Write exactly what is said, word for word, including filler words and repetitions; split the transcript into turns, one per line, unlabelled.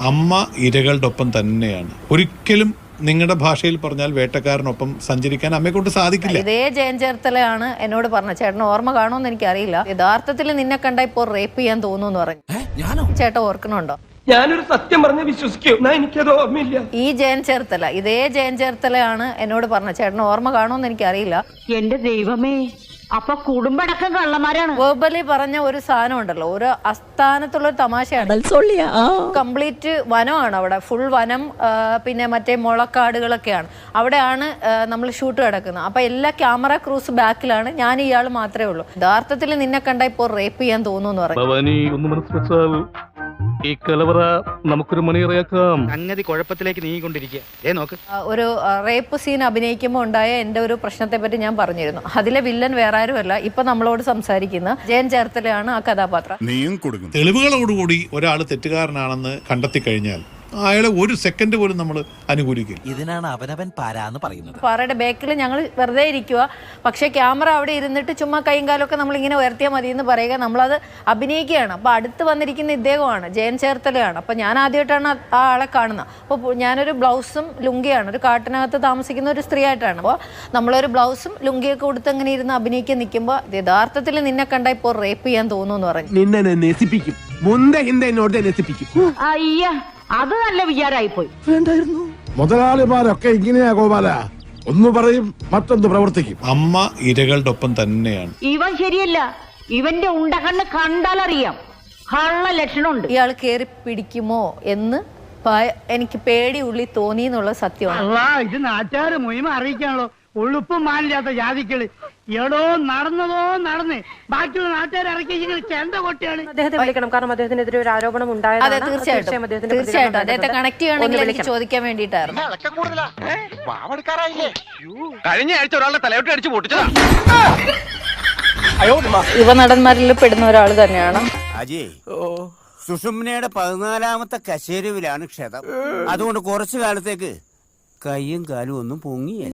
അമ്മ ഇരകളുടെ ഒപ്പം തന്നെയാണ്. ഒരിക്കലും നിങ്ങളുടെ ഭാഷയിൽ പറഞ്ഞാൽ വേട്ടക്കാരനൊപ്പം സഞ്ചരിക്കാൻ അമ്മയെ കൊണ്ട് സാധിക്കില്ല.
ഇതേ ജയൻ ചേർത്തലയാണ് എന്നോട് പറഞ്ഞത്. ചേട്ടൻ ഓർമ്മ കാണുമെന്ന് എനിക്കറിയില്ല. യഥാർത്ഥത്തിൽ നിന്നെ കണ്ട ഇപ്പോൾ റേപ്പ് ചെയ്യാൻ തോന്നുന്നു പറഞ്ഞു. ചേട്ടൻ ഓർക്കണുണ്ടോ?
ഞാനൊരു സത്യം പറഞ്ഞ് വിശ്വസിക്കൂ. എനിക്കത് ഓർമ്മയില്ല.
ഈ ജയൻ ചേർത്തല, ഇതേ ജയൻ ചേർത്തലയാണ് എന്നോട് പറഞ്ഞത്. ചേട്ടൻ ഓർമ്മ കാണുമെന്ന് എനിക്കറിയില്ല.
എന്റെ ദൈവമേ, അപ്പൊ കുടുംബടക്കം കള്ളന്മാരാണ്.
വേർബലി പറഞ്ഞ ഒരു സാധനം ഉണ്ടല്ലോ, ഒരു അസ്ഥാനത്തുള്ള ഒരു തമാശയാണ്. കംപ്ലീറ്റ് വനമാണ് അവിടെ, ഫുൾ വനം, പിന്നെ മറ്റേ മുളക്കാടുകളൊക്കെയാണ്. അവിടെയാണ് നമ്മൾ ഷൂട്ട് കിടക്കുന്നത്. അപ്പൊ എല്ലാ ക്യാമറ ക്രൂസ് ബാക്കിലാണ്, ഞാൻ ഇയാൾ മാത്രമേ ഉള്ളൂ. യഥാർത്ഥത്തിൽ നിന്നെ കണ്ട ഇപ്പോൾ റേപ്പ് ചെയ്യാൻ തോന്നുന്നു പറഞ്ഞു.
ഈ കലവറ നമുക്കൊരു മണിയറയാക്കാം.
സംഗതി കുഴപ്പത്തിലേക്ക് നീങ്ങിക്കൊണ്ടിരിക്കുക. ഏ നോക്ക്,
ഒരു റേപ്പ് സീൻ അഭിനയിക്കുമ്പോൾ ഉണ്ടായ എന്റെ ഒരു പ്രശ്നത്തെ പറ്റി ഞാൻ പറഞ്ഞിരുന്നു. അതിലെ വില്ലൻ വേറെ ആരുമല്ല, ഇപ്പൊ നമ്മളോട് സംസാരിക്കുന്ന ജയൻ ചേർത്തലയാണ് ആ കഥാപാത്രം.
തെളിവുകളോടുകൂടി ഒരാൾ തെറ്റുകാരനാണെന്ന് കണ്ടെത്തി കഴിഞ്ഞാൽ അയാളെ ഒരു സെക്കൻഡ് പോലും നമ്മൾ അനുകൂലിക്കും.
ഇതിനാണ് അവനവൻ പാരാന്ന് പറയുന്നത്.
പാറയുടെ ബാക്കിൽ ഞങ്ങൾ വെറുതെ ഇരിക്കുക, പക്ഷെ ക്യാമറ അവിടെ ഇരുന്നിട്ട് ചുമ്മാ കൈയും കാലൊക്കെ നമ്മൾ ഇങ്ങനെ ഉയർത്തിയാൽ മതി എന്ന് പറയുക, നമ്മളത് അഭിനയിക്കുകയാണ്. അപ്പൊ അടുത്ത് വന്നിരിക്കുന്ന ഇദ്ദേഹമാണ്, ജയൻ ചേർത്തലയാണ്. അപ്പൊ ഞാൻ ആദ്യമായിട്ടാണ് ആ ആളെ കാണുന്നത്. അപ്പോൾ ഞാനൊരു ബ്ലൗസും ലുങ്കിയാണ്, ഒരു കാട്ടിനകത്ത് താമസിക്കുന്ന ഒരു സ്ത്രീ ആയിട്ടാണ്. അപ്പോൾ നമ്മളൊരു ബ്ലൗസും ലുങ്കിയൊക്കെ കൊടുത്ത് അങ്ങനെ ഇരുന്ന് അഭിനയിക്കാൻ നിൽക്കുമ്പോൾ യഥാർത്ഥത്തിൽ നിന്നെ കണ്ട ഇപ്പോൾ റേപ്പ് ചെയ്യാൻ തോന്നുന്നു എന്ന് പറഞ്ഞു.
നിന്നെ നശിപ്പിക്കും, മുന്ത ഹിന്ദ എന്നോട് നശിപ്പിക്കും.
അയ്യ, അത് നല്ല വിചാരമായിപ്പോയി.
മുതലാളിമാരൊക്കെ ഇങ്ങനെയാ ഗോപാല, ഒന്ന് പറയും മറ്റൊന്ന് പ്രവർത്തിക്കും.
അമ്മ ഇരകളുടെ ഒപ്പം തന്നെയാണ്.
ഇവൻ ശരിയല്ല, ഇവന്റെ ഉണ്ടകണ്ണ് കണ്ടാലറിയാം കള്ള ലക്ഷണമുണ്ട്.
ഇയാൾ കയറി പിടിക്കുമോ എന്ന് എനിക്ക് പേടി ഉള്ളി തോന്നി എന്നുള്ള സത്യമാണ്.
ഇത് നാട്ടുകാര് മുഴുവൻ അറിയിക്കാണല്ലോ, ഉളുപ്പും മാനില്ലാത്ത ജാതിക്കള്. എടോ നടന്നതോ നടന്ന് ബാക്കിയുള്ള നാട്ടുകാർ ഇറക്കി ചെണ്ട കൊട്ടിയാണ്.
അദ്ദേഹത്തെ വിളിക്കണം, കാരണം അദ്ദേഹത്തിനെതിരെ ഒരു ആരോപണം ഉണ്ടായത്.
അതെ, തീർച്ചയായിട്ടും തീർച്ചയായിട്ടും അദ്ദേഹത്തെ കണക്ട് ചെയ്യണമെങ്കിൽ എനിക്ക് ചോദിക്കാൻ വേണ്ടിയിട്ടായിരുന്നു.
കഴിഞ്ഞ ആഴ്ച ഒരാളുടെ തലയോട്ട് അടിച്ച് പൊട്ടിച്ചതാ.
യുവ നടന്മാരിൽ പെടുന്ന ഒരാൾ തന്നെയാണ്.
അജയ്, സുഷുമ്നയുടെ പതിനാലാമത്തെ കശേരുവിലാണ് ക്ഷതം. അതുകൊണ്ട് കുറച്ചു കാലത്തേക്ക് കയ്യും കാലും ഒന്നും പൊങ്ങിയ